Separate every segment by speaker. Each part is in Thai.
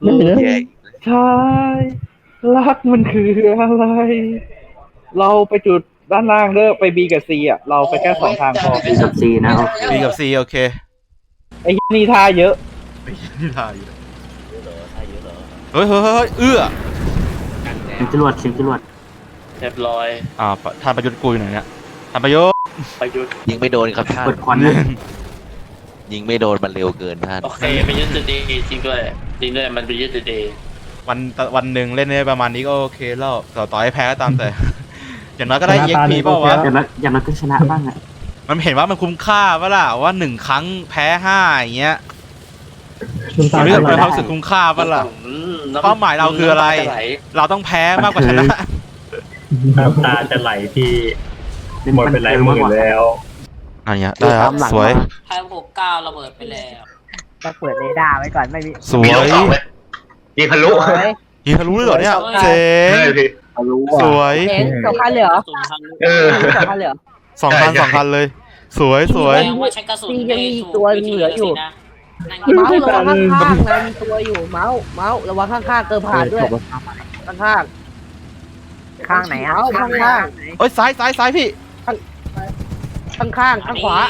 Speaker 1: ใช่รักมันคืออะไรเราไปจุดด้านล่างเด้อไปบีกับซีอ่ะเราไปแค่2 ทางพอ
Speaker 2: B กับ C นะโอเค
Speaker 3: B กับ C โอเค
Speaker 1: ไอ้นี่ท่าเยอะ
Speaker 3: ไอ้นี่ทายอยู่เฮ้ยเอื้อ
Speaker 2: เสียงจรวดเสียงจรวด
Speaker 4: เรียบร้อย
Speaker 3: ท่านประยุทธ์กุยหน่อยเนี่ยท่านประยุทธ์
Speaker 4: ประยุทธ์
Speaker 5: ยิงไม่โดนครับท่าน
Speaker 2: เปิดควันนะ
Speaker 5: ยิงไม่โดนมันเร็วเกินท่าน
Speaker 4: โอเคเป็นยุทธดีจริงด้วยมันเป็นยุทธดี
Speaker 3: วันหนึ่งเล่นได้ประมาณนี้ก็โอเคแล้วต่อให้แพ้ก็ตามแต่ อย่างน้อยก็ได้ EXP เปล่าวะ
Speaker 2: อย่างนั้นก็ชนะบ้างอ่ะ
Speaker 3: มันเห็นว่ามันคุ้มค่าปะล่ะว่า1 ครั้งแพ้5อย่างเงี้ย มันรู้สึกเป็นความรู้สึกคุ้มค่าปะล่ะเป้าหมายเราคืออะไร เราต้องแพ้มากกว่าชนะ
Speaker 6: น้ำตาจะไหลที่หมดเป็นหลายหมื่นแล้ว
Speaker 3: อันเนี้ยได้ครับสวย
Speaker 4: 569ระเบิดไปแล้ว
Speaker 7: ต้องเปิดเรดาร์ไว้ก่อนไม่มี
Speaker 3: สวย
Speaker 6: ยิงทะลุ
Speaker 3: ยิงทะลุเลยเหรอเนี่ยเจ๋งสวย
Speaker 7: เห็นสองคันเหลือ
Speaker 6: เออ
Speaker 7: สองคันเหลือ
Speaker 3: 2 คันเลย สวย
Speaker 4: ว่าใช้กระสุน
Speaker 7: ยังมีตัวเหลืออยู่ เมาส์ระวังข้างๆนะมีตัวอยู่เมาส์ระวังข้างๆเกินผ่านด้วยข้างๆข้างไหนอ่ะข้าง
Speaker 3: เอ้ยซ้ายพี่
Speaker 7: ข้างข้างขวา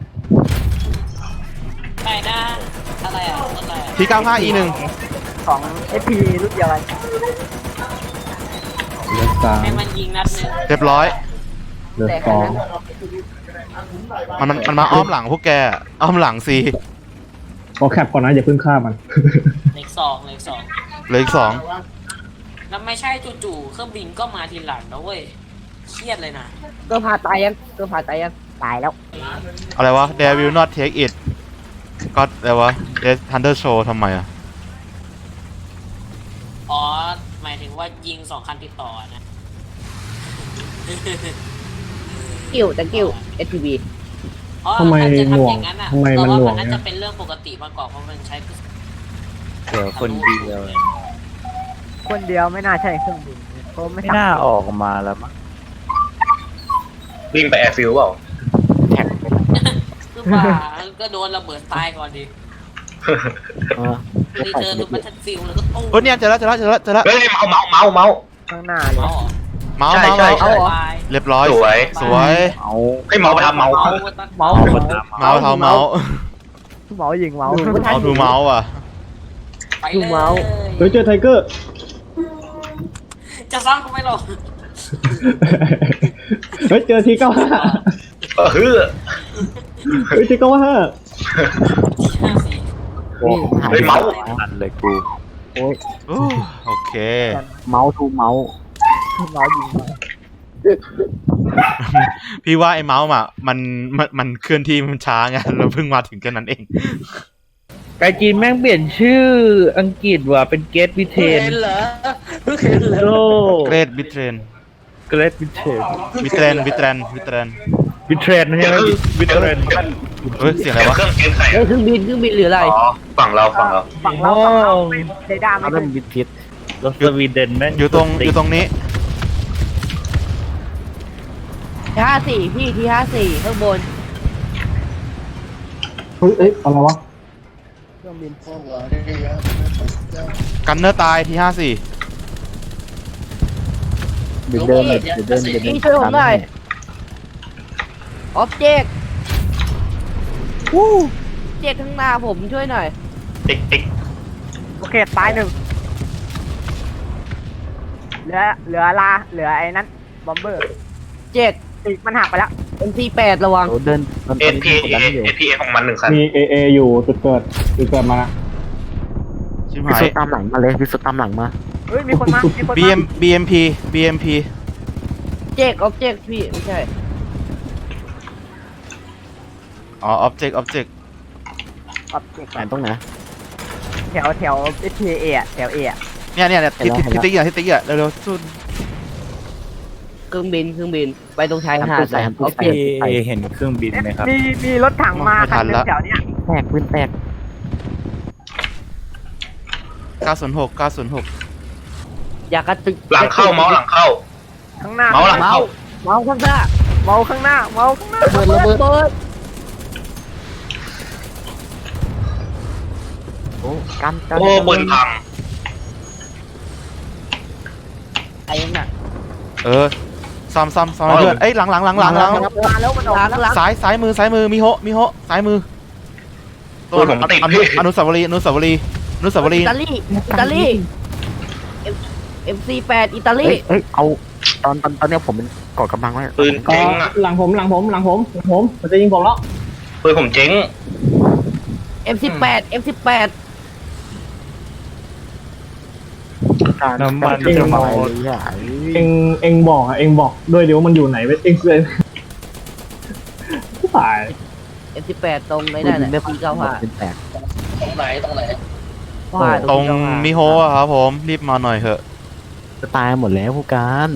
Speaker 4: ไปนะอะไรอ่ะอะไรอ่ะ
Speaker 3: P95E1
Speaker 7: ของ SP รุ่นเดียวกัน
Speaker 4: ให้มันยิงนัดนึง
Speaker 3: เรียบร้อย
Speaker 7: แต่คันนั้น
Speaker 3: มันมาอ้อมหลังพวกแกอ้อมหลังสิ
Speaker 6: ขอแคปก่อนนะอย่าเพิ่งฆ่ามัน
Speaker 4: เลขสอง
Speaker 3: เหลืออีก 2
Speaker 4: แล้วไม่ใช่จู่ๆเครื่องบินก็มาทีหลังนะเว้ยเครียดเลยนะ
Speaker 7: เกินผ่านตายยังตายแล้ว
Speaker 3: อะไรวะ They will not take it ก็อะไรวะ Death Thunder Show ทำไมอ่ะ
Speaker 4: อ๋อหมายถึงว่ายิง2 คันติดต่อนะ
Speaker 7: กิ้ว SPB
Speaker 6: ทำไมหน่วงทำไมมันหน่วง
Speaker 4: น่า
Speaker 6: เนี่ย
Speaker 4: จะเป็นเรื่องปกติมากกว่าเพราะมันใช้
Speaker 5: เดี๋ยวคนเดียว
Speaker 7: คนเดียวไม่น่าใช่เครื่องบินเพราะไม่
Speaker 5: ไม่น่าออกมาแล้วมั้ง
Speaker 6: วิ่งไปแอร์ฟิลเปล่า
Speaker 4: คือว่าก็โดนระเบิดตายก่อนดิรีเทิร์นดูมันทันฟิลแล้วก็ตู้
Speaker 3: เฮ้ยเนี่ยเจอแล้ว
Speaker 6: เฮ้ยเมา
Speaker 7: ข้างหน้าเลย
Speaker 4: เอาเหรอ
Speaker 3: เมาส์
Speaker 6: ใช่
Speaker 3: เมาส์
Speaker 6: ใช่
Speaker 3: เมาส์
Speaker 4: ตาย
Speaker 3: เรียบร้อย
Speaker 6: สวย
Speaker 3: สวย
Speaker 6: ให้เมาไปทำเมา
Speaker 3: เมาส์เมาส์
Speaker 7: ยิงเมาส์
Speaker 3: เอาดูเมาส์อ่ะ
Speaker 4: ไปเลย
Speaker 6: เฮ้ยเจอไทเกอร์
Speaker 4: จะซ้ำกูไม่หรอก
Speaker 6: เฮ้ยเจอที95เฮ้ยที95
Speaker 4: 54
Speaker 6: เฮ้ยเมาส์
Speaker 5: อันเลยกู
Speaker 3: โอเค
Speaker 7: เมาส์ยิงเมาส์
Speaker 3: พี่ว่าไอ้เมาส์อ่ะมันเคลื่อนที่มันช้าไงเราเพิ่งมาถึงแค่นั้นเอง
Speaker 1: ไกจีนแม่งเปลี่ยนชื่ออังกฤษว่ะเป็นเกตบิเทน
Speaker 4: เห็นเหรอเพิ่งเห็นเหรอ
Speaker 1: โล
Speaker 3: เกรดบิเทรน
Speaker 1: เกรตบิเทน
Speaker 3: บิเทรน
Speaker 1: บิเทรนใช่ไหมบิเทรน
Speaker 3: เฮ้ยเสียงอะไรวะ
Speaker 6: เครื่องเกมใส่
Speaker 7: เครื่องบินหรืออะไร
Speaker 6: อ๋อฝั่งเรา
Speaker 7: ฝั่งเราเรดาร์ไม่ได้
Speaker 1: รถสวีเดนแม่ง
Speaker 3: อยู่ตรงนี้
Speaker 7: 54พี่ที่54ข้างบน
Speaker 6: เฮ้ยอะไรวะ
Speaker 7: เครื่องบิน
Speaker 3: กันเนอร์ตายที่54
Speaker 7: พี่ช่วยผมหน่อยออบเจกต์เจกข้างหน้าผมช่วยหน่อย
Speaker 6: ติ๊ก
Speaker 7: โอเคตายหนึ่งเหลือไอ้นั้นบอมเบอร์เจกมันหักไปแล้ว MC8 ระวัง
Speaker 6: NPA ของมัน1 คันมี AA อยู่จุดเกิดมา
Speaker 3: ชิบ
Speaker 2: พิ
Speaker 3: หา
Speaker 2: สุ
Speaker 3: ย
Speaker 2: ตามหลังมาเลยพิสุตามหลังมา
Speaker 7: เฮ้ยมีคนมา
Speaker 3: BMP
Speaker 7: เจกออบเจกต์พี่ไม่ใช่
Speaker 3: อ๋อ object
Speaker 7: ออบเจกต์
Speaker 2: ไหนตรงไหน
Speaker 7: แถวSPA อ่ะแถว A อ่ะ
Speaker 3: เนี่ยที่ติ๊กอ่ะเร็วๆสุด
Speaker 7: เครื่องบินไปตรงชายหาด
Speaker 2: ใส่
Speaker 7: ออบเจกต์
Speaker 6: เห็นเครื่องบินไหมครับ
Speaker 7: มีรถถังมาคันนึงแถวเนี้ย
Speaker 2: แตกปืนแตก
Speaker 3: 906
Speaker 7: อยากกระตึก
Speaker 6: หลังเข้าเมาส์หลังเข้า
Speaker 7: ข้างหน้า
Speaker 6: เมาส์หลังเข้า
Speaker 7: เมาส์ข้างหน้าเมาส์ข้างหน้าระเบิด
Speaker 2: โอ้กัน
Speaker 6: โอ้ปืนพัง
Speaker 7: ไอ้ยังน่ะ
Speaker 3: ซ้ำให้เพื่อนเอ้ยหลัง
Speaker 7: มาแล้วมันออกหลัง
Speaker 3: ซ้ายมือมิโฮซ้ายมือตัวอนุสาวรีย์
Speaker 7: อิตาลีMC8 อิตาลี
Speaker 2: เฮ้ยเอาตอนเนี้ยผมเป็นก่อกำลังไว้
Speaker 6: ปืนเจ๊งอ่ะหลังผมมันจะยิงผมแล้วปืนผมเจ๊ง
Speaker 7: M18
Speaker 2: น้ำมันจะหมด
Speaker 6: เองบอกด้วยเดี๋ยวมันอยู่ไหนเว้ยเองเลยตาย
Speaker 7: M18 ตรงไหนนั่นน่ะปี95
Speaker 2: เป็นแตก
Speaker 4: ตรงไหน
Speaker 3: ตรงมิโฮะครับผมรีบมาหน่อยเถอะ
Speaker 2: จะตายหมดแล้วผู้การ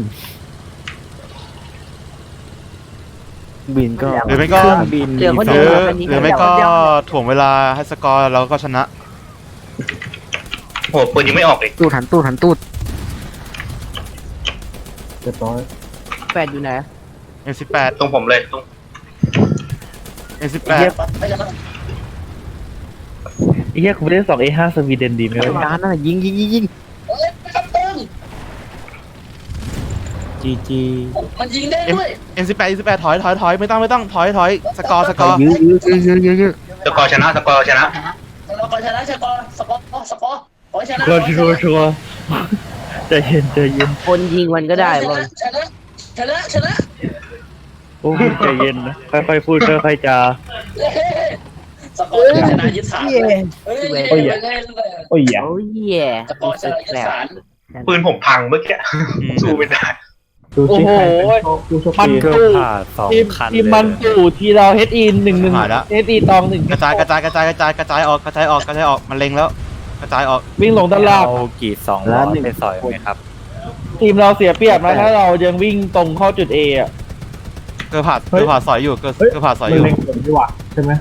Speaker 2: บินก็
Speaker 3: หรือไม่ก็
Speaker 2: บิน
Speaker 7: เหลือคน
Speaker 3: ห
Speaker 7: เดี
Speaker 3: รื
Speaker 7: ยว
Speaker 3: หรือไม่ก็ถ่วงเวลาให้สกอร์แล้วก็ชนะ
Speaker 6: โหปืนยังไม่ออกเลย
Speaker 2: ตู้หันตูด
Speaker 6: เรียบร้อย
Speaker 7: 8อยู่ไหน
Speaker 3: M18
Speaker 6: ตรงผมเลยตรง
Speaker 3: M18
Speaker 1: ไอ้เหี้ยกูไม่ได้2A5 สวีเดนดีไหม
Speaker 2: ไอ้
Speaker 1: วะ
Speaker 2: ร้านนั่นยิง GG
Speaker 4: มันยิงได้ด้วย
Speaker 3: M18 ถอยไม่ต้องถอยสกอร์
Speaker 2: ยื้อ
Speaker 6: สกอร์ชนะ
Speaker 4: เราก่อนชนะสกอร์ขอชนะ
Speaker 1: ชัวร์ใจเย็น
Speaker 7: คนยิงมันก็ได้บ่
Speaker 4: ชนะ
Speaker 1: โอ้ใจเย็นนะค่อยๆพูดค่อยๆจา
Speaker 4: สกอร์ชนะยึดฐานเฮ้ย
Speaker 6: โอ้ยอย่า
Speaker 7: โอ้ย
Speaker 4: สกอร์ชนะยึดฐาน
Speaker 6: ปืนผมพังเมื่อกี้สู้ไม่ได้
Speaker 1: โอ้โหมันตู้ทีมมันตู้ทีเรา HE 1-1 HE ตอง1
Speaker 3: กระจายออกมันเล็งแล้วกระจายออก
Speaker 1: วิ่งลงด้านล่าง
Speaker 5: กีด2 ล้อไปสอยไหมครับ
Speaker 1: ทีมเราเสียเปรียบนะถ้าเรายังวิ่งตรงเข้าจุด A อ่ะ
Speaker 3: เกือบผ่าสอยอยู่เกือบผ่าสอยอยู่
Speaker 6: ใช่ไหม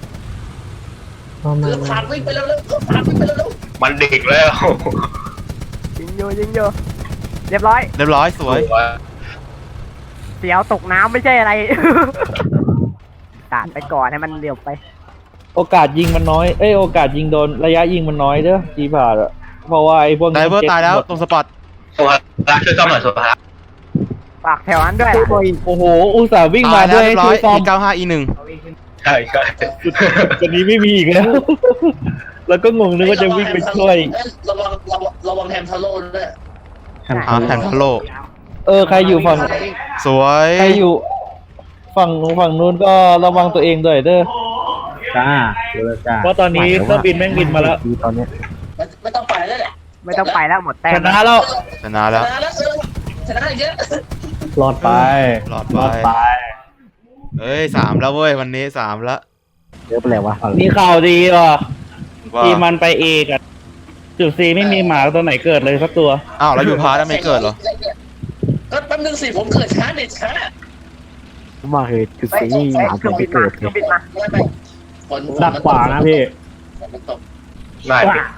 Speaker 4: คือผ่านวิ่งไปแล้ว
Speaker 6: มันเด็กแล้ว
Speaker 7: ยิงโยเรียบร้อย
Speaker 3: สวย
Speaker 7: เสียวตกน้ำไม่ใช่อะไรตาดไปก่อนให้มันเร็วไป
Speaker 1: โอกาสยิงมันน้อยโอกาสยิงโดนระยะยิงมันน้อยเด้อจีผ่าอ่ะเพราะว่าไอ้พวก
Speaker 3: ไดเวอร์ตายแล้วตรงสปอต
Speaker 6: สุภาระช่วยซ่อมหน่อยสุภาระ
Speaker 7: ฝากแถวนั้นด้วย
Speaker 1: โอ้โหอุตส่าห์วิ่งมาด้วย
Speaker 3: เรียบร้
Speaker 1: ช่
Speaker 3: อ
Speaker 1: วย ยซ้อม
Speaker 3: E95 E1
Speaker 6: ใช่
Speaker 1: จุดนี้ไม่มีอีกแล้ว แล้วก็งงนึกว่าจะวิ่งไปช่วย
Speaker 4: ระวังแฮมทาโร่ด้วย
Speaker 3: แฮมทาโล
Speaker 1: ใครอยู่ฝั่ง
Speaker 3: สวย
Speaker 1: ใครอยู่ฝั่งนู้นก็ระวังตัวเองด้วยเด้อ
Speaker 6: จ้า
Speaker 1: เพราะตอนนี้เครื่องบินแม่งบินมาแล้ว
Speaker 2: ตอนนี้
Speaker 4: ไม่ต้องไปแล้วแหละ
Speaker 7: ไม่ต้องไปแล้วหมดแต้
Speaker 1: ช
Speaker 7: ม
Speaker 1: นะแล้ว
Speaker 3: ชนะแล้ว
Speaker 4: ชนะอีกเยอะ
Speaker 6: รอดไป
Speaker 3: รอดไปเอ้ย3แล้วเว้ยวันนี้3แล้ว
Speaker 2: เยอะไปแล้ววะ
Speaker 1: มีข่าวดีว่ะ
Speaker 3: ว่า
Speaker 1: ทีมมันไป A กันจุด C ไม่มีหมาตัวไหนเกิดเลยสักตัว
Speaker 3: อ้าวแล้วอยู่พาร์ทไม่เกิดเหรอ
Speaker 4: ก็แป๊บนึงสิผมเกิดช้าเด็ดช้า
Speaker 2: มาเหตุจุดซีหมาเกิดไปเกิดเลย
Speaker 4: ไม่ฝน
Speaker 6: ดักขวานะพี่
Speaker 4: มันตก
Speaker 6: ได้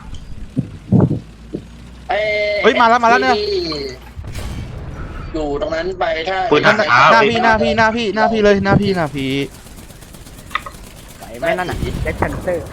Speaker 3: เฮ้ยมาแล้วเนี่ย
Speaker 4: อยู่ตรงนั้นไปถ้า
Speaker 3: หน้าพี่เลยหน้าพี่
Speaker 7: ไปไม่นั่นน่ะเด็กชันเซอร์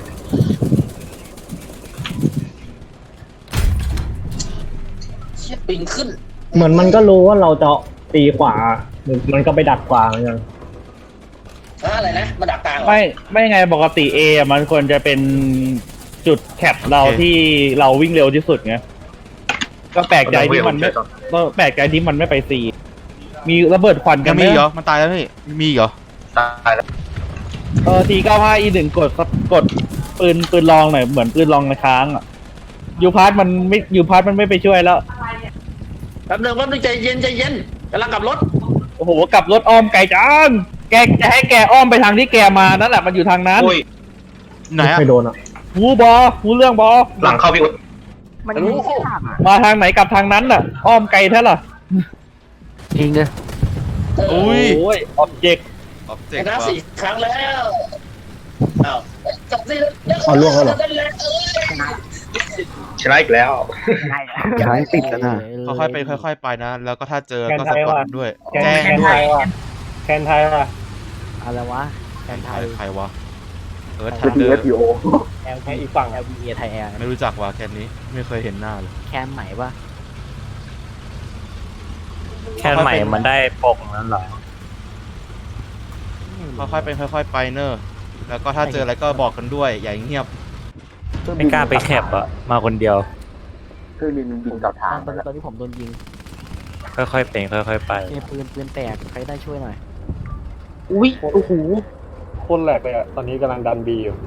Speaker 4: เชี่ยปิงขึ้น
Speaker 6: เหมือนมันก็รู้ว่าเราจะตีขวา มันก็ไปดักขวาเหมือนกัน
Speaker 4: อะไรนะมาดักกลาง
Speaker 1: ไม่ไงปกติ A อ่ะมันควรจะเป็นจุดแคปเราที่เราวิ่งเร็วที่สุดไงก็แปลกใจที่มันไม่ไป C มีระเบิดควันกั
Speaker 3: ยั
Speaker 1: น
Speaker 3: ง
Speaker 1: ไหม
Speaker 3: มีเหรอมันตายแล้วนี่มีเหรอ
Speaker 6: ตายแล้ว
Speaker 1: T95 E1 กดปืนลองหน่อยเหมือนปืนลองในค้างอ่ะยูพาร์ทมันไม่ไปช่วยแล้ว
Speaker 4: แป๊บนึงใจเย็นกำลังกลับรถ
Speaker 1: โอ้โหกลับรถอ้อมไกลจังแกจะให้แกอ้อมไปทางที่แกมานั่นแหละมันอยู่ทางนั้น
Speaker 3: ไหนอะ
Speaker 6: ไม่โดนอ่ะ
Speaker 1: หูเรื่องบอ
Speaker 6: หลังเข้าพี่อุ๊ด
Speaker 7: มันยิงข้าม
Speaker 1: มาทางไหนกลับทางนั้นน่ะ อ้อมไกลแท้ล่ะ
Speaker 2: ยิงเลย
Speaker 3: อุ้ย
Speaker 1: โอ้ยออบเจกต์
Speaker 4: ชนะ4 ครั้งแล้วอ้าวจับสิ
Speaker 6: เอาล่วงแล้วเหรอ ชนะอีกแล้ว
Speaker 2: ย้ายติดแล้วนะ
Speaker 3: ค่อยๆไปค่อยๆไปนะ แล้วก็ถ้าเจอก็สปอตด้วย แจ้ง
Speaker 1: แคน
Speaker 3: ด้
Speaker 1: ไท
Speaker 3: วย
Speaker 1: ยว่ะแคนไทยว่ะ
Speaker 7: อะไรวะแคนไทย
Speaker 3: ใครวะทันเดอร์
Speaker 1: แคนอีกฝั่ง
Speaker 7: LBA ไทยแอร์
Speaker 3: ไม่รู้จักว่ะแคนนี้ไม่เคยเห็นหน้าเลย
Speaker 7: แคมใหม่ปะ
Speaker 5: แค่ใหม่มันได้ปกนั้นเหรอ
Speaker 3: ค่อยๆเป็นค่อยๆไปเนอะแล้วก็ถ้าเจออะไรก็บอกกันด้วยอย่าเงียบ
Speaker 5: ไม่กล้าไปแคบอะมาคนเดียว
Speaker 2: เครื่องบินบินกลับทางตอนนี้ผมโดนยิง
Speaker 5: ค่อยๆเป็นค่อยๆไป
Speaker 2: ปืนแตกใครได้ช่วยหน่อย
Speaker 7: อุ้ยโอ้โห
Speaker 6: คนแหลกเลยอ่ะตอนนี้กำลังดันบีอยู่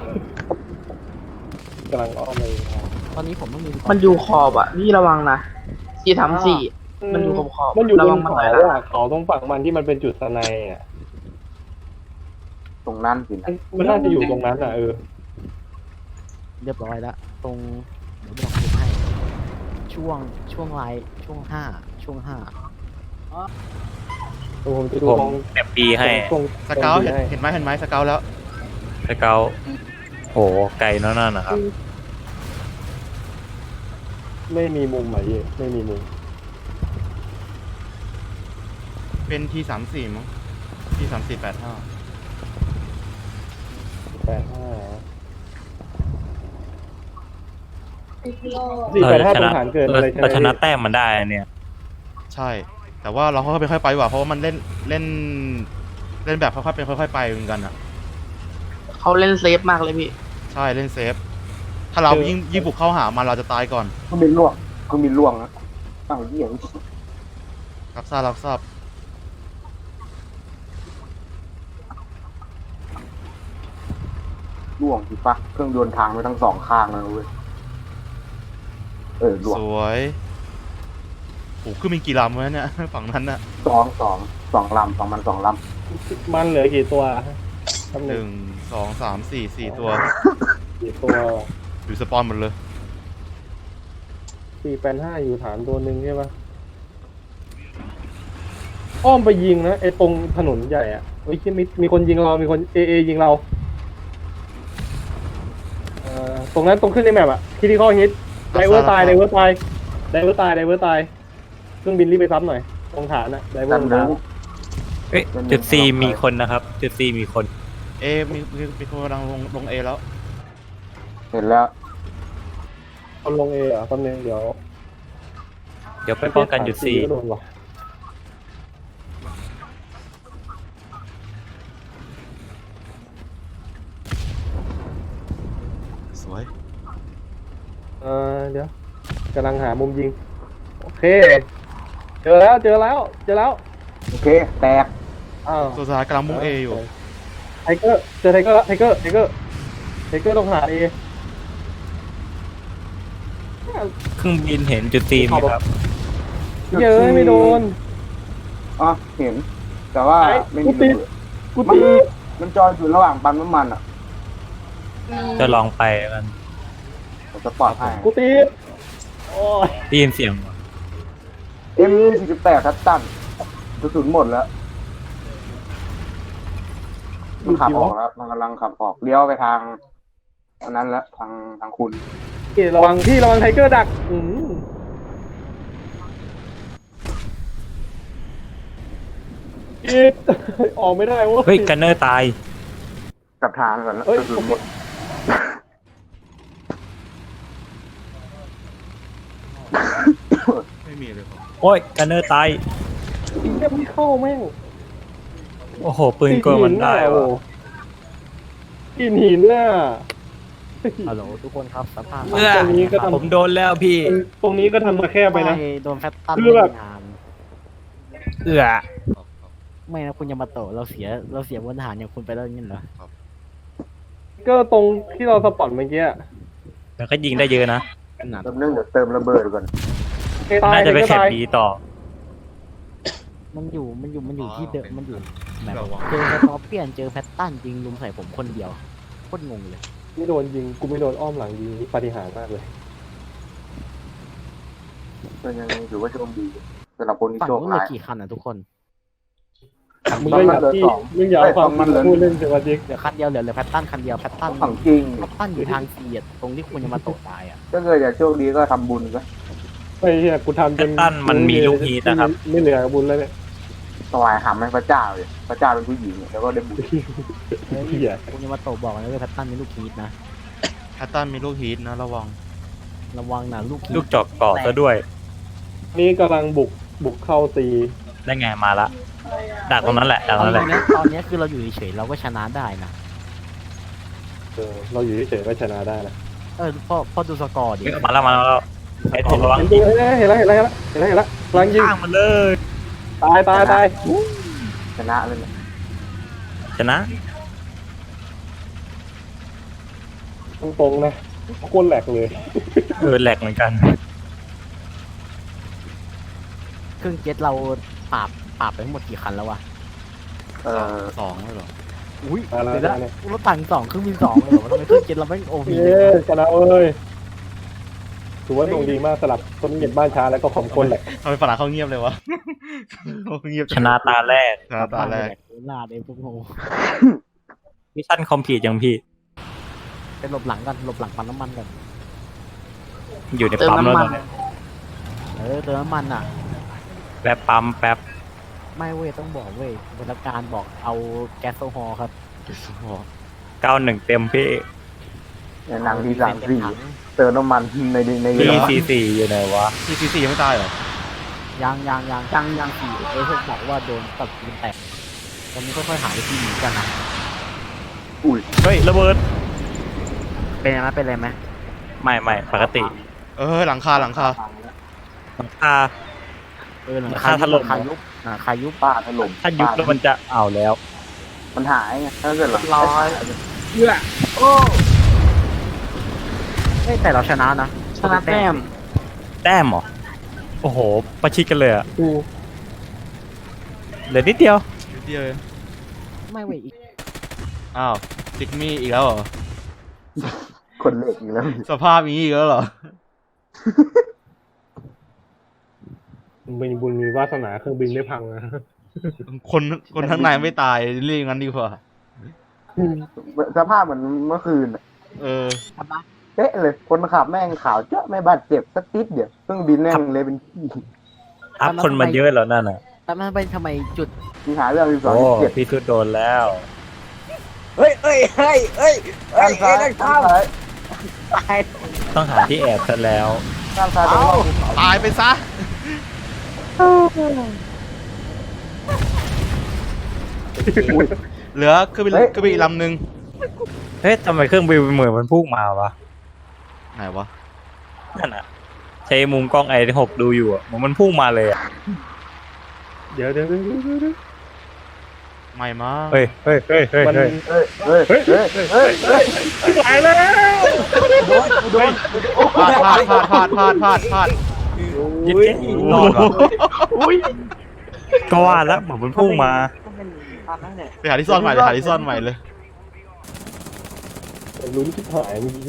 Speaker 6: กำลังอ้อมเลย
Speaker 2: ตอนนี้ผมต้องมี
Speaker 7: มันอยู่ขอบอ่ะพี่ระวังนะที่ทำสี่มันอยู่ขอบ
Speaker 6: มันอยู่บ
Speaker 7: ระวัน ง
Speaker 6: เขา
Speaker 7: หน่อยนะ
Speaker 6: อ่ะเขาตรงฝั่งมันที่มันเป็นจุดสไนอ่ะ
Speaker 2: ตรงนั้นสิ
Speaker 6: มันน่าจะอยู่ตรงนั้นอ่ะ
Speaker 2: เรียบร้อยแล้วตรงเดี๋ยวบอกคุณให้ช่วงไลน์ช่วงห้า
Speaker 6: ผมจะดู
Speaker 5: ผม
Speaker 6: ตรง
Speaker 5: แอบปีให้
Speaker 6: ตรง
Speaker 3: สเกล
Speaker 6: ตรง
Speaker 3: เห็นไหมสเกลแล้ว
Speaker 5: สเกลโหไกลนั่นนะครับ
Speaker 6: ไม่มีมุมไหนไม่มีมุม
Speaker 3: เป็นที34มั้งที3485
Speaker 6: 485ตรงฐานเกิดอะไร
Speaker 5: เราชนะแต้มมันได้เนี่ย
Speaker 3: ใช่ แต่ว่าเราค่อยๆไปค่อยๆไปดีกว่าเพราะว่ามันเล่นแบบค่อยๆเป็นค่อยๆไปเหมือนกันอ่ะ
Speaker 7: เขาเล่นเซฟมากเลยพี่
Speaker 3: ใช่เล่นเซฟถ้าเรายิ่งบุกเข้าหามันเราจะตายก่อน
Speaker 2: เครื่องบินล่วงนะอ้าวเหี้ย
Speaker 3: รับทราบ
Speaker 2: ล่วงสิปะเครื่องยนต์ทางไปทั้งสองข้างเลยเว้ยล่วง
Speaker 3: สวยโอ้ขึ้นมีกี่ลำวะเนี่ย ฝั่งนั้นน่ะ
Speaker 2: สองลำของมัน2 ลำ
Speaker 6: มันเหลือกี่ตัวคำห
Speaker 3: ห
Speaker 6: นึ่
Speaker 3: นึ่
Speaker 6: ง
Speaker 3: งสองสามสี่ตัว
Speaker 6: กี่ตัว
Speaker 3: อยู่สปอนหมดเลย
Speaker 6: 485อยู่ฐานตัวหนึ่งใช่ปะอ้อมไปยิงนะไอ้ตรงถนนใหญ่อ่ะเฮ้ยมีคนยิงเรามีคนเอยิงเราตรงนั้นตรงขึ้นในแมปอ่ะคิดที่ข้อฮิตไดเวอร์ตายเครื่องบินรีบไปซ้ำหน่อยตรงฐานอะไดเวอร์ตรงฐาน
Speaker 5: เอ้ยจุด C มีคนนะครับ จุด C มีคน
Speaker 3: มีคนกำลังลงเอแล้ว
Speaker 2: เห็นแล้ว
Speaker 6: คนลงเออ่ะตำแหน่งเดี๋ยว
Speaker 5: ไปป้องกันจุด C
Speaker 6: ก็โดนว่ะ
Speaker 3: สวย
Speaker 6: เดี๋ยวกำลังหามุมยิงโอเคเจอแล้ว
Speaker 2: โอเคแตก
Speaker 6: อ้าว
Speaker 3: ตัวสุดท้ายกำลังมุ่งเออยู่
Speaker 6: ไทเกอร์เจอไทเกอร์ตรงหาเอ
Speaker 5: เครื่องบินเห็นจุด C ไหมครับ
Speaker 6: เย้ยไม่โดน
Speaker 2: อ๋อเห็น แต่ว่าไม่มีระเบิด
Speaker 6: กูตี
Speaker 2: มันจอยอยู่ระหว่างปั๊มน้ำมันอ่ะ
Speaker 5: จะลองไปกัน
Speaker 2: ผมจะปลอดภัย
Speaker 6: กูตีโอ้ย
Speaker 5: ได้ยินเสียง
Speaker 2: M48 ทัดตันกระสุนหมดแล้วมันขับออกแล้วมันกำลังขับออกเลี้ยวไปทางอันนั้นแล้วทางคุณ
Speaker 6: ระวังไทเกอร์ดักออกไม่ได้เว้ย
Speaker 5: เฮ้ยกันเนอร์ตาย
Speaker 2: กลับทางก่อนแล้ว
Speaker 6: เอ้ย
Speaker 2: กระสุนหมด
Speaker 3: ไม่มีเลยครับ
Speaker 5: โอ้ยกันเนอร์ตาย
Speaker 6: ยิงแค่ไม่เข้าแม่ง
Speaker 5: โอ้โห ปืนกลมันได้
Speaker 6: โอ้
Speaker 5: วะ
Speaker 6: กินหินน่ะ
Speaker 2: ฮัลโหลทุกคนครับสภาพ
Speaker 6: ตรงนี้ก็ทำ
Speaker 5: ผมโดนแล้วพี่
Speaker 6: ตรงนี้ก็ทำมาแคบไปนะ
Speaker 2: โดนแฟตตัน
Speaker 6: คือแบบ
Speaker 2: งาน
Speaker 5: เอื้อ
Speaker 2: ไม่นะคุณยามาโตะเราเสียบนทหารอย่างคุณไปแล้วงั้นเหรอ
Speaker 6: ก็ตรงที่เราสปอตเมื่อกี้
Speaker 5: มันก็ยิงได้เยอะนะ
Speaker 2: แป๊บนึงเดี๋ยวเติมระเบิดก่อน
Speaker 5: น่าจะไปแคปดีต่อ
Speaker 2: มันอยู่ที่เดิมมันอยู่แบบ
Speaker 3: ระวัง
Speaker 2: เจอสตอเปียนเจอแพตตันยิงลุมใส่ผมคนเดียวโคตรงงเลย
Speaker 6: ไม่โดนยิงกูไม่โดนอ้อมหลังยิงนี่ปาฏิหาริย์มากเลย
Speaker 2: ก็ยังถือว่าโชคดีสำหรับคนที่
Speaker 8: ฝั่ง
Speaker 2: โชค
Speaker 8: นู้นเหลื
Speaker 2: ร้า
Speaker 8: อย กี่คันอ่ะทุกคน
Speaker 6: มึงก็อย่าที่มึงอย่าเอาความพูดเล่นเถอะว่าจริง
Speaker 8: เหลือคันเดียวเหลือแพตตันคันเดียวแพตตัน
Speaker 2: ฝั่งจริง
Speaker 8: แพตตันอยู่ทางเสียดตรงที่คุณจะมาตกตายอ่ะ
Speaker 2: ถ้าเกิดอยากโชคดีก็ทำบุญก็
Speaker 6: ไอ้เหี้ยกูทำจน
Speaker 5: ตั้นมันมีลูกฮีทนะครับ
Speaker 6: ไม่เหลือบุญแล้วเนี่ย
Speaker 2: ถวายหำให้พระเจ้าเลยพระเจ้าเป็นผู้หญิงเนี่ยแล้วก็ได้บุญ
Speaker 6: เหี้ย
Speaker 8: คุณจะมาตกบอกนะว่าแพตตันมีลูกฮีทนะ
Speaker 3: แพตตันมีลูกฮีทนะระวัง
Speaker 8: ระวังนะลูกฮีท
Speaker 5: ลูกจอกเกาะซะด้วย
Speaker 6: นี่กำลังบุก
Speaker 9: บุกเข้าตี
Speaker 5: ได้ไงมาละดักตรงนั้นแหละดักต
Speaker 8: เอา
Speaker 5: รง
Speaker 8: จ
Speaker 5: นั้นแหละ
Speaker 8: ริงๆนะตอนเนี้ยคือเราอยู่เฉยๆเราก็ชนะได้นะ
Speaker 9: เราอยู่เฉยๆก็ชนะได้นะ
Speaker 8: พอดูสกอร์ดิ
Speaker 5: มาแล้วไอ้ผมระวัง
Speaker 9: จริงๆเห็นแล้วกำลังยิง
Speaker 5: ข้างมันเลย
Speaker 9: ตาย
Speaker 2: ชนะเลย
Speaker 5: ชนะ
Speaker 9: ตรงๆนะโคตรแหลกเลย
Speaker 5: แหลกเหมือนกัน
Speaker 8: เครื่องเจ็ตเราปราบไปทั้งหมดกี่คันแล้ววะ
Speaker 3: สองเลยเหรอ
Speaker 8: อุ้ย
Speaker 9: มาแล้ว
Speaker 8: เดี๋ยวนะ
Speaker 9: เนี่ย
Speaker 8: รถถัง2เครื่องบิน2เลยเหรอทำไมเครื่องเจ็ตเราไม่โอพี
Speaker 9: เย้ชนะเอ้ยถือว่าดวงดีมากสลับต้นเย็นบ้านช้าแล้วก็ของคนแหละ
Speaker 3: ทำไมฝรั่งเขาเงียบเลยวะ เขาเงียบ
Speaker 5: ชนะตาแรก
Speaker 3: ชนะตาแรก
Speaker 8: ลาดเองพวกโง่
Speaker 5: มิชชั่นคอมพลีทยังพี่
Speaker 8: ไปหลบหลังกันหลบหลังปั๊มน้ำมันกัน
Speaker 5: อยู่ในปั๊มแล้วตอนเนี้ย
Speaker 8: เติมน้ำมันอ่ะ
Speaker 5: แป๊บปั๊มแป๊บ
Speaker 8: ไม่เว้ยต้องบอกเว้ยบรรการบอกเอาแก๊สโซฮอล์ครับ
Speaker 5: 91เต็มพี่
Speaker 2: หนังที่เติมน้ำมันใน
Speaker 5: PCC อยู่ไหนวะ
Speaker 3: PCC ยังไม่ตายเหรอ
Speaker 8: ยังสี่พวกบอกว่าโดนตัดปืนแตกตอนนี้ค่อยๆหาวิธีหนีกันนะ
Speaker 5: เฮ้ยระเบิด
Speaker 2: เป็นอะไรไหม
Speaker 5: ไม่ปกติ
Speaker 3: หลังคา
Speaker 5: หลังคา
Speaker 8: หลัง
Speaker 5: ราคาถล่ม
Speaker 8: คายุบคายุบ
Speaker 2: ป้าถล่ม
Speaker 5: ถ้ายุบแล้วมันจะเอาแล้ว
Speaker 2: มันหายไงถ้าเกิดร้อย แต่เราชนะนะชนะแต้ม
Speaker 5: แต้มเหรอ โอ้โห ประชิดกันเลยอ่ะเหลือนิดเดียว
Speaker 3: นิดเดียวเอง
Speaker 8: ไม่เว้ยอีก
Speaker 3: อ้าวจิกมี่อีกแล้วเหรอ
Speaker 2: คนเล็กอีกแล้ว
Speaker 3: สภาพนี้อีกแล้วเหรอ
Speaker 9: มีบุญมีวาสนาเครื่องบินไม่พังนะ
Speaker 3: คนข้างในไม่ตายเรียกงั้นดีกว่า
Speaker 2: สภาพเหมือนเมื่อคืน เป๊ะเลยคนขับแม่งขาวเจ้าไม่บาดเจ็บสักติดเดียวเครื่องบินแม่งเลยเป็นขี้
Speaker 5: อัพคนมาเยอะแล้วนั่นน่ะ
Speaker 8: แต่มันเป็นทำไมจุด
Speaker 2: มีหาเรื่องที่สอง
Speaker 5: โอ้
Speaker 2: เจ็บ
Speaker 5: พี่สุดโดนแล้ว
Speaker 2: ด้านซ้ายด้านซ้าย
Speaker 5: ต้องหาที่แอบซะแล้ว
Speaker 2: ด้านซ้ายต้องรอบภูเขา
Speaker 3: ตายไปซะ เหลือเครื่องบินอีกลำหนึ่ง
Speaker 5: เฮ้ยทำไมเครื่องบินเหมือนมันพุ่งมาวะ
Speaker 3: ไหนวะ
Speaker 5: นั่นอ่ะใช้มุมกล้องi6ดูอยู่อ่ะมันพุ่งมาเลยอ่ะ
Speaker 9: เดี๋ยว
Speaker 3: ไม่มา
Speaker 5: เฮ้ย
Speaker 9: มัน
Speaker 2: ตายแล้วโดน
Speaker 3: พลาด
Speaker 5: ยิงรอดวะก็ว่าแล้วเหมือนมันพุ่งมา
Speaker 3: ไปหาที่ซ่อนใหม่เลย
Speaker 9: ลุ้นที่หายมี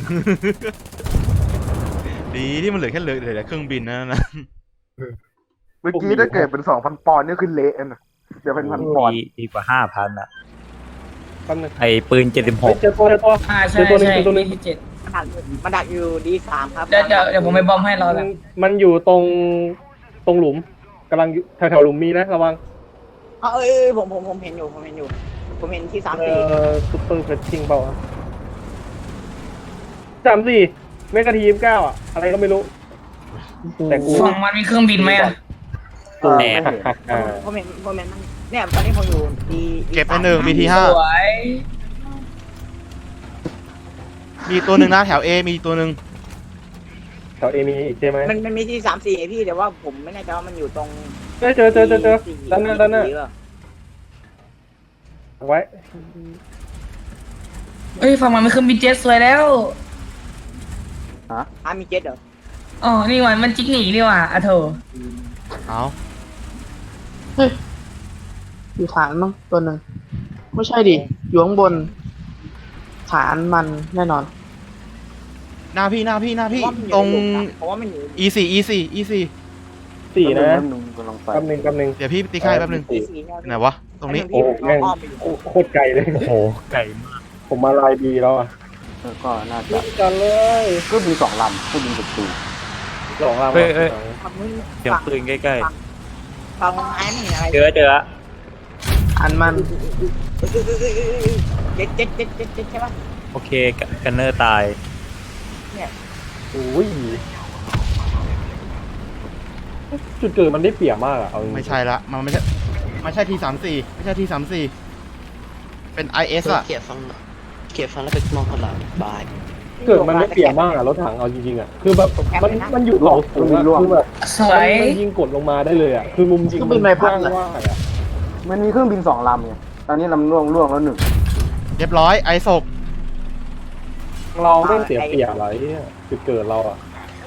Speaker 3: ดีที่มันเหลือแต่เครื่องบินนั่นนะ
Speaker 2: เมื่อกี้ถ้าเกิดเป็น 2,000 ปอนด์นี่คือเละนะเดี๋ยวเป็นพันปอนด์
Speaker 5: ดีกว่า 5,000อ่ะ
Speaker 9: แป๊บนึง
Speaker 5: ไอ้ปืน
Speaker 9: เจอตัว
Speaker 4: ใช่ตัวนึงที่7
Speaker 7: มันดักอยู่D3ครับ
Speaker 4: เดี๋ยวผมไปบอมให้เราแหละ
Speaker 9: มันอยู่ตรงหลุมกำลังแถวๆหลุมมีนะระวัง
Speaker 7: ผมเห็นอยู่ผมเห็นที่3-4
Speaker 9: ซุปเปอร์เฟชชิ่งเปล่า3-4เมกะที29อ่ะอะไรก็ไม่รู้แต่กู
Speaker 4: ฝั่งมันมีเครื่องบินไหมอ่ะ
Speaker 5: แหน
Speaker 7: ผมเห็นมันเนี่ยตอนนี้ผมอยู่ดี
Speaker 3: เก็บไปหนึ่งมีที
Speaker 4: ส
Speaker 3: ห้า
Speaker 4: วย
Speaker 3: มีตัวหนึ่งนะแถว A มีตัวหนึ่ง
Speaker 9: แถวเอมีอีกใช่ไหม
Speaker 7: มันมีที่3-4ไอ้พี่แต่ว่าผมไม่แน่ใจว่ามันอยู่ตรง
Speaker 9: เจอด้านหน้าไว้
Speaker 4: เอ้ยฝั่งมันมีเครื่องบินเจ็ตสวยแล้ว
Speaker 7: มีเจ็ตเหรอ
Speaker 4: อ๋อนี่มันจิกหนีนี่ว่ะอะโถ
Speaker 3: เอา
Speaker 7: อยู่ฐานมั้งตัวนึงไม่ใช่ดิอยู่ข้างบนฐานมันแน่นอน
Speaker 3: หน้าพี่ตรง
Speaker 7: เพราะว่ามันอยู่
Speaker 3: E4
Speaker 9: 4นะ
Speaker 2: กำลังไป
Speaker 9: แป๊บนึง
Speaker 3: เดี๋ยวพี่ตีค่ายแป๊บนึง ไหนวะ ตรงนี้
Speaker 9: โอ้แม่งโคตรไกลเลย
Speaker 5: โอ้โห ไก่มาก
Speaker 9: ผมมาลายดีแล้วอ่ะ
Speaker 2: ก็น่าจะ
Speaker 9: กันเลย
Speaker 2: ก็มี2 ลำก็มีประตู
Speaker 9: 2 ลำ
Speaker 5: เสียงปืนใกล้
Speaker 7: ฟังไอ้ไม่เห็นอะไร
Speaker 5: ๆ เจอ
Speaker 7: อันมันเจ็ดใช่ปะ
Speaker 5: โอเคกันเนอร์ตาย
Speaker 9: อุ้ยจุดเกิดมันได้เปรียบมากอะเอาจริงๆ
Speaker 3: ไม่ใช่ละมันไม่ใช่T34ไม่ใช่T34เป็น IS อะ
Speaker 4: เกียร์ฟังแล้วไปมองคนละบาย
Speaker 9: เกิดมันได้เปรียบมากอะรถถังเอาจริงๆอะคือแบบมันอยู่หลอกสูงอะคือแบบ
Speaker 7: สวย
Speaker 9: มันยิงกดลงมาได้เลยอะคือมุมยิงมันกว้างมากอะ
Speaker 2: มันมีเครื่องบิน2 ลำไงตอนนี้ลำล่วงแล้วหนึ่ง
Speaker 3: เรียบร้อยไอศก
Speaker 9: เราไม่เสียเปรียบอะไรเนี่ยจุดเกิดเราอะ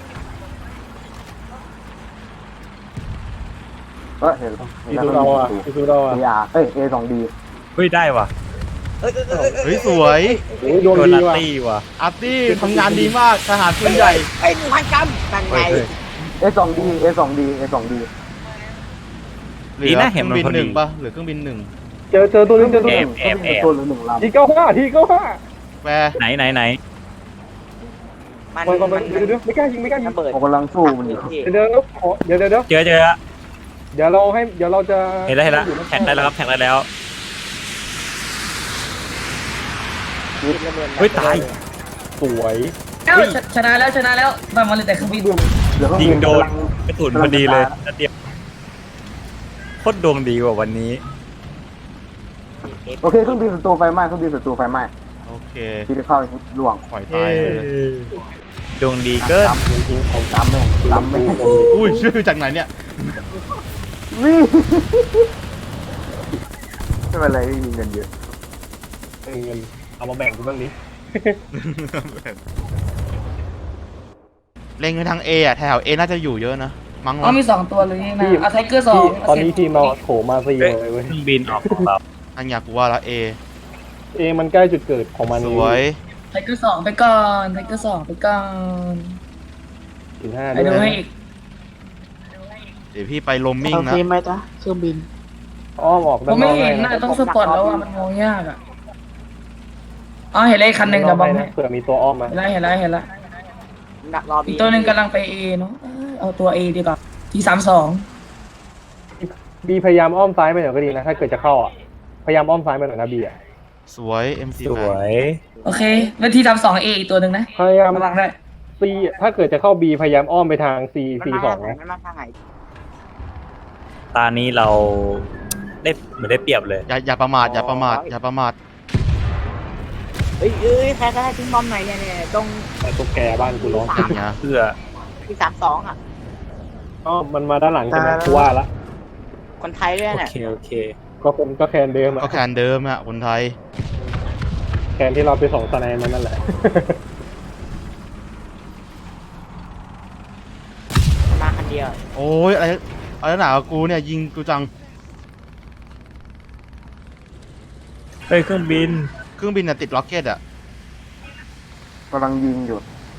Speaker 2: เห็น
Speaker 9: ที่ดูเราอะที่ดูเราอะ
Speaker 2: A2D
Speaker 5: เฮ้ยได้ว่ะ
Speaker 3: เฮ้ยสวย
Speaker 9: โอ้ยโดน
Speaker 5: โดน
Speaker 9: ดี
Speaker 5: นัต
Speaker 9: ว่ะ
Speaker 5: ตี้ว่ะ
Speaker 3: อาร์ตี้ทำงานดีมากทหารปืนใหญ่
Speaker 7: ไอ้พันกรรมตั้งไง
Speaker 2: A2D A2D A2D
Speaker 3: เหลือเครื่องบินหนึ่งป่ะเหลือเครื่องบินหนึ่ง
Speaker 9: เจอตัวนึงเจอตัวนึง
Speaker 5: แอบ
Speaker 2: ตัวหรือ1 ลำ
Speaker 9: ที95
Speaker 3: แวร์
Speaker 5: ไหน
Speaker 7: มัน
Speaker 9: ก่อนเดี๋ยวไม่กล้ายิงไม่กล้ายิง
Speaker 7: ระเบิด
Speaker 2: ผมกำลังสู้มันอยู่
Speaker 9: เดี๋ยวเดี๋ยว
Speaker 5: เจอละ
Speaker 9: เดี๋ยวเราจะ
Speaker 5: เห็นแล้วแท็กได้แล้วครับแท็กได้แล้วเฮ้ยตาย
Speaker 9: สวย
Speaker 7: ชนะแล้วมันมาเลยแต่เครื่องบิน
Speaker 2: เดี๋ยวเครื่อง
Speaker 5: ยิ
Speaker 2: บิ
Speaker 5: ง
Speaker 2: น
Speaker 5: โดน
Speaker 2: กำลัง
Speaker 5: กระสุนพอดีเลยนัดเดียวโคตรดวงดีกว่าวันนี้
Speaker 2: โอเคเครื่องบินศัตรูไฟไหม้
Speaker 3: โอเค
Speaker 2: ที่จะเข้าล่วง
Speaker 3: ปล่อยตายเลย
Speaker 5: ดวงดีเกิน
Speaker 2: จำจริงๆผมจำแม่ง
Speaker 3: อุ้ยชื่อจากไหนเนี่ย
Speaker 2: นี่ไม่เป็นไรไม่มีเงินเยอะ
Speaker 9: เงินเอามาแบ่งกูบ้างนี้
Speaker 3: เล็งไปทาง A อ่ะแถว A น่าจะอยู่เยอะนะมั้ง
Speaker 7: อ๋อมี2 ตัวเลยนี่นะเอาไทเกอร์2
Speaker 9: ตอนนี้ทีมเราโถมาซีเลยเว้ย
Speaker 5: เครื่องบินออกของเรา
Speaker 3: อันอยากกูว่าละ A
Speaker 9: มันใกล้จุดเกิดของมัน
Speaker 3: สวย
Speaker 7: ไทเกอร์2ไปก่อนไทเกอร์2ไปก่อน
Speaker 9: ถึง5
Speaker 7: ไปดูให้อีก
Speaker 3: เดี๋ยวพี่ไปลมมิ่งนะ
Speaker 9: อ้อมออก
Speaker 7: ผมไม่เห็นน่ะต้องสปอร์ตแล้วอ่ะมันมองยากอ่ะอ๋อเห็นเลยคันหนึ่งเดี๋ยวบอกให้
Speaker 9: เผื่อมีตัวอ้อมมา
Speaker 7: เห็นแล้วอีกตัวหนึ่งกำลังไป A เนาะเอาตัว A ดีกว่าที่32
Speaker 9: บีพยายามอ้อมซ้ายไปหน่อยก็ดีนะถ้าเกิดจะเข้าอ่ะพยายามอ้อมซ้ายไปหน่อยนะบีอ่ะ
Speaker 3: สวย MC
Speaker 5: สวย
Speaker 7: โอเคแล้วที่32 A อีกตัวหนึ่งนะ
Speaker 9: พยายาม
Speaker 7: กำลังได้
Speaker 9: ซีถ้าเกิดจะเข้าบีพยายามอ้อมไปทาง C2 นะ
Speaker 5: ตานี้เราได้เหมือนได้เปรียบเลย
Speaker 3: อย่าประมาทอย่าประมาท
Speaker 7: เอ้ยใครก็ได้ทิ้งบอมหน่อยเนี่ยตรง
Speaker 9: แต่ตุ๊กแกบ้านกูร้อง
Speaker 3: เนี่ย
Speaker 5: เพื่อ
Speaker 7: ที่32อ่ะ
Speaker 9: อ๋อมันมาด้านหลังใช่ไหมกูว่าละ
Speaker 7: คนไทยด้วย
Speaker 5: โอ
Speaker 7: เนี่ย
Speaker 5: เคโอเค
Speaker 9: ก็แคนเดิม
Speaker 3: ก็
Speaker 9: อ่ะ
Speaker 3: แคนเดิมอะคนไทย
Speaker 9: แคนที่เราไปส่งสไนมันนั่นแหละ
Speaker 7: มาคันเดียว
Speaker 3: โอ้ยอะไรหนากับกูเนี่ยยิงกูจัง
Speaker 5: เฮ้ยเครื่องบิน
Speaker 3: เครื่องบินน่ะติดล็อกเก็ตอะ
Speaker 2: กำลังยิงอยู่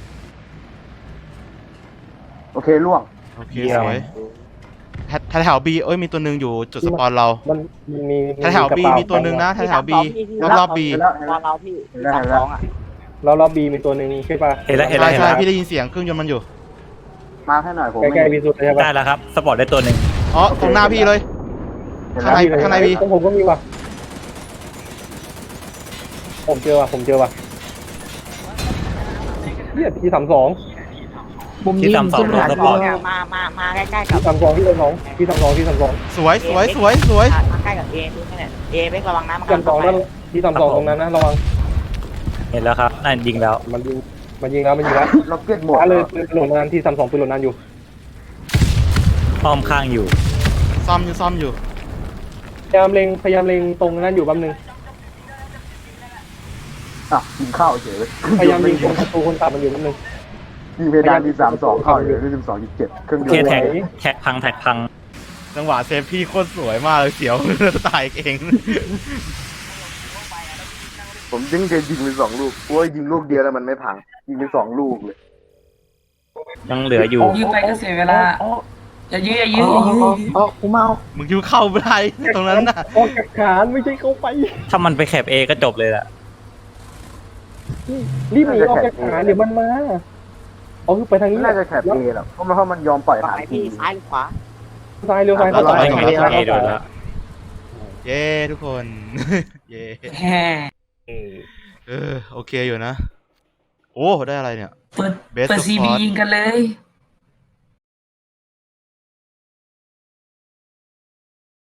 Speaker 2: โอเคล่วง
Speaker 3: โอเคสวยแถว B เอ้ยมีตัวหนึ่งอยู่จุดสปอนเรา
Speaker 9: มันมี
Speaker 3: แถว B มีตัวหนึ่งนะแถว B รอบ B
Speaker 2: เห็นแล้ว
Speaker 7: ตอนเราที่
Speaker 2: เห็นแล้ว
Speaker 7: 32อ่ะ
Speaker 9: เราล็อบบีมีตัวหนึ่งใช่ป่ะ
Speaker 5: เห็นแล้ว
Speaker 3: ใช่พี่ได้ยินเสียงเครื่องยนต์มันอยู่
Speaker 2: มาให้หน่อยผม
Speaker 9: ใกล้ๆบีสุดใช่ป่ะ
Speaker 5: ได้แล้วครับสปอร์ตได้ตัวหนึ่ง
Speaker 3: อ๋อตรงหน้าพี่เลย ข้างใน B
Speaker 9: ผมก็มีว่ะผมเจอว่ะเนี่ยที่32
Speaker 5: ที่32สปอร์ต
Speaker 7: มาใกล้ๆกับ
Speaker 9: ที่32
Speaker 3: สวย
Speaker 7: มาใกล้กับ A ดูนี่เนี่ย A ไม่ระวังนะมัน
Speaker 9: ที่32นั่นที่32ตรงนั้นนะระวัง
Speaker 5: เห็นแล้วครับนั่นยิงแล้ว
Speaker 9: มันยิงแล้ว
Speaker 2: ล็อกเก็ตหมด
Speaker 9: เลยปืนโหลดนานที่32ปืนโหลดนานอยู่
Speaker 5: อ้อมข้างอยู่
Speaker 3: ซ่อมอยู่
Speaker 9: พยายามเล็งตรงนั้นอยู่แป๊บนึง
Speaker 2: ยิงเข้าเฉย
Speaker 9: พยายามยิงตรงประตูคนขับมันอยู่แป๊บนึง
Speaker 2: ยิงเพดานที่32เข้าอยู่ที่12.7เครื่อง
Speaker 5: โอ
Speaker 2: เดี
Speaker 5: เค
Speaker 2: ยว
Speaker 5: แท็กพัง
Speaker 3: จังหวะเซฟพี่โคตรสวยมากเลยเสียว ตายเอง
Speaker 2: ผมยิงเคยยิงไป2 ลูกโอ้ยยิงลูกเดียวแล้วมันไม่พังยิงไป2 ลูกเลย
Speaker 5: ยังเหลืออยู่
Speaker 7: ยื้อไปก็เสียเวลาอย่ายื้อ
Speaker 2: กูเมา
Speaker 3: มึงคิวเข้าไม่ได้ตรงนั้นน่ะ
Speaker 9: ออกจากฐานไม่ใช่เข้าไป
Speaker 5: ถ้ามันไปแคปเอก็จบเลยล่ะ
Speaker 9: รีบหนีออกจากฐานเดี๋ยวมันมาเอาคือไปทางนี้
Speaker 2: น่าจะแคปเอหรอกเพราะมันยอมปล่อยฐาน
Speaker 7: ไปพี่ซ้ายหรือขวา
Speaker 9: ซ้ายเร็วซ้าย
Speaker 5: เราต่อไปของเราเอโดนแล้ว
Speaker 3: เย้ทุกคน เย้
Speaker 7: แฮ่
Speaker 3: โอเคอยู่นะ โอ้ได้อะไรเนี่ย
Speaker 7: เปิด CB ยิงกันเลย